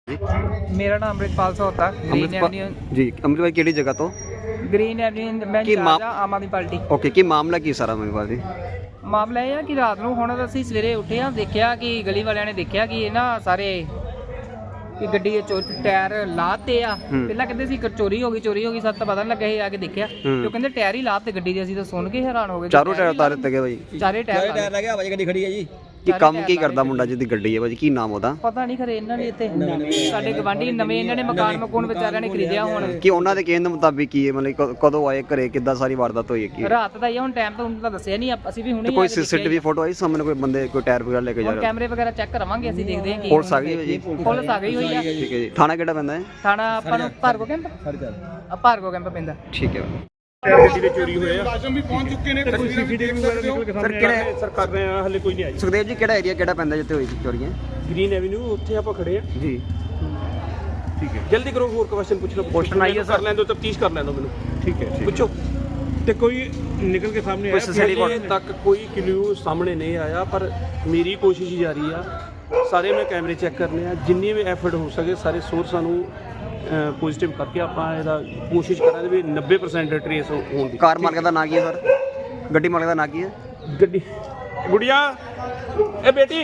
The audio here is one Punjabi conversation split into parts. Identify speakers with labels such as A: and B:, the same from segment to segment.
A: ਮੇਰਾ ਨਾਮ ਅੰਮ੍ਰਿਤਪਾਲ ਸੋਤਾ, ਗ੍ਰੀਨ ਐਵਨਿਊ
B: ਜੀ। ਅੰਮ੍ਰਿਤ ਭਾਈ ਕਿਹੜੀ ਜਗ੍ਹਾ ਤੋਂ?
A: ਗ੍ਰੀਨ ਐਵਨਿਊ ਮੈਂ ਇੰਚਾਰਜ ਆ ਆਮ ਆਦਮੀ ਪਾਰਟੀ।
B: ਓਕੇ, ਕੀ ਮਾਮਲਾ ਕੀ ਸਾਰਾ ਅੰਮ੍ਰਿਤ ਭਾਈ ਜੀ?
A: ਮਾਮਲਾ ਇਹ ਆ ਕਿ ਰਾਤ ਨੂੰ ਹੁਣ ਅਸੀਂ ਸਵੇਰੇ ਉੱਠੇ ਆ, ਦੇਖਿਆ ਕਿ ਗਲੀ ਵਾਲਿਆਂ ਨੇ ਦੇਖਿਆ ਕਿ ਇਹ ਨਾ ਸਾਰੇ ਕਿ ਗੱਡੀ ਦੇ ਟਾਇਰ ਲਾਤੇ ਆ। ਪਹਿਲਾਂ ਕਹਿੰਦੇ ਸੀ ਚੋਰੀ ਹੋ ਗਈ ਸਾਨੂੰ ਤਾਂ ਪਤਾ ਨਹੀਂ ਲੱਗਾ। ਇਹ ਆ ਕੇ ਦੇਖਿਆ ਤੇ ਉਹ ਕਹਿੰਦੇ ਟਾਇਰ ਹੀ ਲਾਤੇ ਗੱਡੀ ਦੇ। ਅਸੀਂ ਤਾਂ ਸੁਣ ਕੇ ਹੈਰਾਨ ਹੋ ਗਏ।
B: ਚਾਰੋਂ ਟਾਇਰ ਉਤਾਰ ਦਿੱਤੇ ਗਏ ਭਾਈ?
A: ਚਾਰੇ ਟਾਇਰ
C: ਲੱਗਿਆ ਭਾਜੀ, ਗੱਡੀ ਖੜੀ ਹੈ ਜੀ।
B: ਕੀ ਕੰਮ ਕੀ ਕਰਦਾ ਮੁੰਡਾ ਜਿਹਦੀ ਗੱਡੀ ਹੈ ਭਾਜੀ? ਕੀ ਨਾਮ ਉਹਦਾ?
A: ਪਤਾ ਨਹੀਂ ਖਰੇ ਇਹਨਾਂ ਨੇ ਇੱਥੇ ਸਾਡੇ ਗਵਾਂਢੀ ਨਵੇਂ ਇਹਨਾਂ ਨੇ ਮਕਾਨ ਮਕੂਨ ਵਿਚਾਰਿਆਂ ਨੇ ਖਰੀਦਿਆ ਹੁਣ।
B: ਕਿ ਉਹਨਾਂ ਦੇ ਕਹਿਣ ਦੇ ਮੁਤਾਬਿਕ ਕੀ ਹੈ, ਮਤਲਬ ਕਦੋਂ ਆਏ ਘਰੇ, ਕਿੱਦਾਂ ਸਾਰੀ ਵਾਰਦਾਤ ਹੋਈ ਹੈ ਕੀ?
A: ਰਾਤ ਦਾ ਹੀ ਹੁਣ ਟਾਈਮ ਤਾਂ ਉਹਨਾਂ ਦਾ ਦੱਸਿਆ ਨਹੀਂ, ਅਸੀਂ ਵੀ ਹੁਣੇ
B: ਕੋਈ ਸੀਸੀਟੀਵੀ ਫੋਟੋ ਆਈ ਸਾਹਮਣੇ? ਕੋਈ ਬੰਦੇ ਕੋਈ ਟਾਇਰ ਵਗੈਰਾ ਲੈ ਕੇ ਜਾ ਰਿਹਾ?
A: ਕੈਮਰੇ ਵਗੈਰਾ ਚੈੱਕ ਕਰਾਵਾਂਗੇ, ਅਸੀਂ ਦੇਖਦੇ ਹਾਂ ਕੀ
B: ਪੁਲਿਸ ਆ ਗਈ ਹੈ ਜੀ?
A: ਪੁਲਿਸ ਆ ਗਈ ਹੋਈ ਆ।
B: ਠੀਕ ਹੈ ਜੀ। ਥਾਣਾ ਕਿਹੜਾ ਪੈਂਦਾ ਹੈ?
A: ਥਾਣਾ ਆਪਾਂ ਨੂੰ ਭਾਰਗੋ ਕੈਂਪ ਭਾਰਗੋ ਕੈਂਪ ਪੈਂਦਾ।
B: ਠੀਕ ਹੈ।
D: ਗੱਡੀ ਦੇ ਚੋਰੀ ਹੋਏ ਆ, ਰਾਜਮ ਵੀ ਪਹੁੰਚ ਚੁੱਕੇ ਨੇ। ਕੋਈ ਸੀਸੀਟੀਵੀ ਵਗੈਰਾ ਨਿਕਲ ਕੇ ਸਾਹਮਣੇ ਆਇਆ ਸਰ, ਕਰ ਰਹੇ ਆ, ਹਲੇ ਕੋਈ ਨਹੀਂ ਆਈ।
B: ਸੁਖਦੇਵ ਜੀ, ਕਿਹੜਾ ਏਰੀਆ ਕਿਹੜਾ ਪੈਂਦਾ ਜਿੱਥੇ ਹੋਈ ਸੀ ਚੋਰੀਆਂ?
D: ਗ੍ਰੀਨ ਐਵਨਿਊ, ਉੱਥੇ ਆਪਾਂ ਖੜੇ ਆ
B: ਜੀ।
D: ਠੀਕ ਹੈ, ਜਲਦੀ ਕਰੋ, ਹੋਰ ਕੁਐਸਚਨ ਪੁੱਛ ਲਓ।
B: ਕੁਐਸਚਨ ਆਈ ਹੈ ਸਰ?
D: ਕਰ ਲੈਣ ਦਿਓ, ਤਫਤੀਸ਼ ਕਰ ਲੈਣ ਦਿਓ ਮੈਨੂੰ।
E: ਠੀਕ ਹੈ।
D: ਪੁੱਛੋ।
E: ਤੇ ਕੋਈ ਨਿਕਲ ਕੇ ਸਾਹਮਣੇ ਆਇਆ?
D: ਹਜੇ ਤੱਕ ਕੋਈ ਕਲੂ ਸਾਹਮਣੇ ਨਹੀਂ ਆਇਆ, ਪਰ ਮੇਰੀ ਕੋਸ਼ਿਸ਼ ਜਾਰੀ ਆ। ਸਾਰੇ ਮੈਂ ਕੈਮਰੇ ਚੈੱਕ ਕਰਨੇ ਆ, ਜਿੰਨੀ ਵੀ ਐਫਰਟ ਹੋ ਸਕੇ ਸਾਰੇ ਸੋਰਸਾਂ ਨੂੰ ਪੋਜ਼ਿਟਿਵ ਕਰਕੇ ਆਪਾਂ ਇਹਦਾ ਕੋਸ਼ਿਸ਼ ਕਰਾਂਗੇ ਵੀ 90% ਟਰੇਸ ਹੋਣ ਦੀ।
B: ਕਾਰ ਮਾਲਕ ਦਾ ਨਾਂ ਕੀ ਹੈ ਸਰ? ਗੱਡੀ ਮਾਲਕ ਦਾ ਨਾਂ ਕੀ ਹੈ?
D: ਗੱਡੀ ਗੁੜੀਆ, ਇਹ ਬੇਟੇ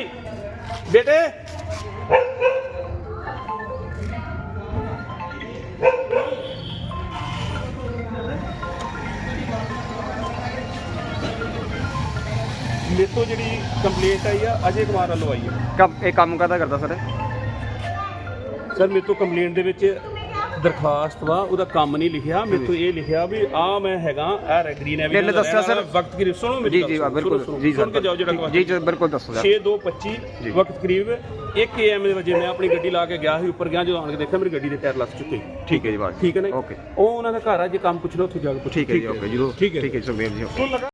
D: ਮੇਰੇ ਤੋਂ ਜਿਹੜੀ ਕੰਪਲੇਂਟ ਆਈ ਆ ਅਜੇ ਕੁਮਾਰ ਵੱਲੋਂ ਆਈ ਹੈ।
B: ਇਹ ਕੰਮ ਕਾਹਦਾ ਕਰਦਾ ਸਰ?
D: ਸਰ ਮੇਰੇ ਤੋਂ ਕੰਪਲੇਂਟ ਦੇ ਵਿੱਚ ਦਰਖਾਸਤ ਵਾ, ਉਹਦਾ ਕੰਮ ਨਹੀਂ ਲਿਖਿਆ। ਮੇਰੇ ਤੋਂ ਇਹ ਲਿਖਿਆ ਵੀ ਆ ਮੈਂ ਹੈਗਾ ਗ੍ਰੀਨ ਐਵਨਿਊ।
B: ਇਹਨੇ ਦੱਸਿਆ ਸਰ
D: ਵਕਤ ਕਰੀਬ ਸੁਣੋ ਮੇਰੀ
B: ਜੀ ਬਿਲਕੁਲ ਜੀ
D: ਸੁਣ ਕੇ ਜਾਓ ਜਿਹੜਾ
B: ਜੀ ਬਿਲਕੁਲ ਦੱਸੋ ਸਰ।
D: 6:25 ਵਕਤ ਕਰੀਬ 1 AM ਦੇ ਵਜੇ ਮੈਂ ਆਪਣੀ ਗੱਡੀ ਲਾ ਕੇ ਗਿਆ ਸੀ, ਉੱਪਰ ਗਿਆ, ਜਦੋਂ ਆਣ ਕੇ ਦੇਖਿਆ ਮੇਰੀ ਗੱਡੀ ਦੇ ਟਾਇਰ ਲੱਗ ਚੁੱਕੇ।
B: ਠੀਕ ਹੈ ਜੀ ਬਾਤ।
D: ਠੀਕ ਹੈ ਨਾ?
B: ਓਕੇ।
D: ਉਹ ਉਹਨਾਂ ਦਾ ਘਰ ਆ, ਜੇ ਕੰਮ ਪੁੱਛ ਲਓ ਉੱਥੇ ਜਾ ਕੇ ਪੁੱਛੋ।
B: ਠੀਕ ਹੈ ਜੀ, ਓਕੇ ਜੀ। ਠੀਕ ਹੈ ਸੁਖਦੇਵ ਜੀ।